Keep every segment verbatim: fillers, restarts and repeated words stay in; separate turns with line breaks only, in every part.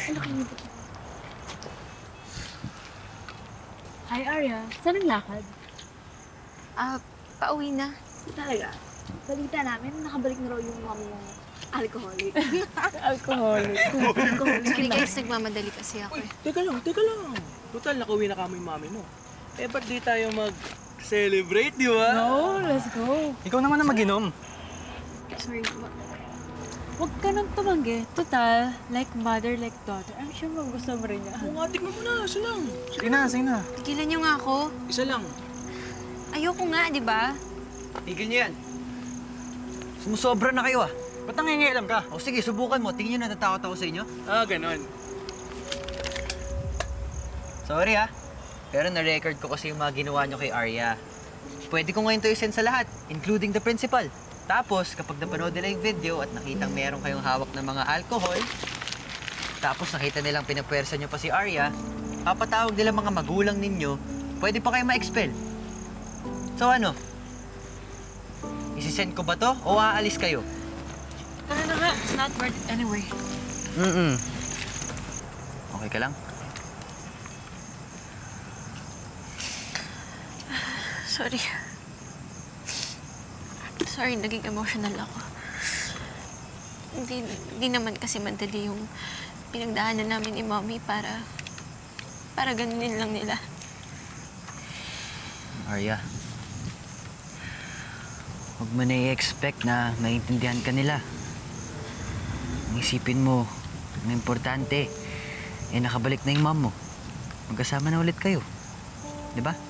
Ano kayo? Hi, Arya. Saan ang lakad?
Ah, pauwi na.
Talaga? Balita namin, nakabalik na raw yung mom mong alcoholic.
Alcoholic.
Alcoholic.
Sorry guys, nagmamadali kasi ako
Uy,
eh.
teka lang, teka lang. Total, nakauwi na kami yung mami mo. Eh, ba't di tayo mag-celebrate, di ba?
No, let's go.
Ikaw naman ang mag-inom.
Sorry, ma-
Huwag ka nang tumanggi. Total, like mother, like daughter. I'm sure magusto mo rin niya.
Oo nga, tignan mo na. Isa lang.
Sige na, sige na.
tigilan niyo nga ako.
Isa lang.
Ayoko nga, di ba?
Tigil niyo yan. Sumusobra na kayo ah. Ba't nangingialam ka? O sige, subukan mo. Tingin niyo natatakot ako sa inyo.
Ah, ganon.
Sorry ah. Pero na-record ko kasi yung mga ginawa niyo kay Arya. Pwede ko ngayon to i-send sa lahat, including the principal. Tapos, kapag napanood nila yung video at nakitang meron kayong hawak ng mga alcohol, tapos nakita nilang pinapwersa niyo pa si Arya, papatawag nila mga magulang ninyo, pwede pa kayo ma-expel. So ano? Isisend ko ba to o aalis kayo?
Tara na nga. It's not worth it anyway.
Mm-mm. Okay ka lang?
Sorry. Sorry, naging emotional ako. Hindi, hindi naman kasi madali yung pinagdaanan namin ni Mommy para... para ganunin lang nila.
Arya, huwag mo na i-expect na maintindihan ka nila. Ang isipin mo, ang importante, eh nakabalik na yung mom mo. Magkasama na ulit kayo. Di ba?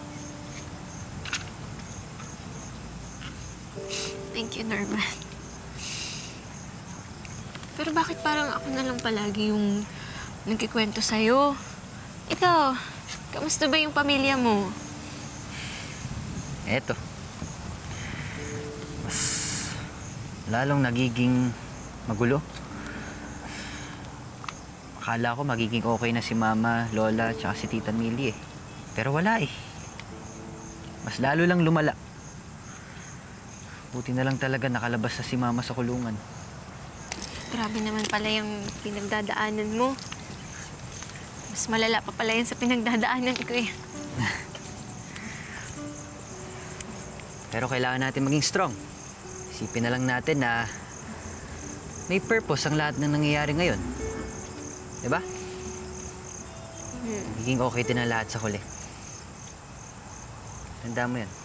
Thank you, Norman. Pero bakit parang ako na lang palagi yung nagkikwento sa'yo? Ikaw, kamusta ba yung pamilya mo?
Eto. Mas lalong nagiging magulo. Akala ko magiging okay na si Mama, Lola, tsaka si Tita Millie eh. Pero wala eh. Mas lalo lang lumala. Buti na lang talaga nakalabas na si Mama sa kulungan.
Grabe naman pala yung pinagdadaanan mo. Mas malala pa pala yan sa pinagdadaanan ko eh.
Pero kailangan natin maging strong. Isipin na lang natin na may purpose ang lahat ng nangyayari ngayon. Diba?
Hmm.
Magiging okay din ang lahat sa huli. Tanda mo yan.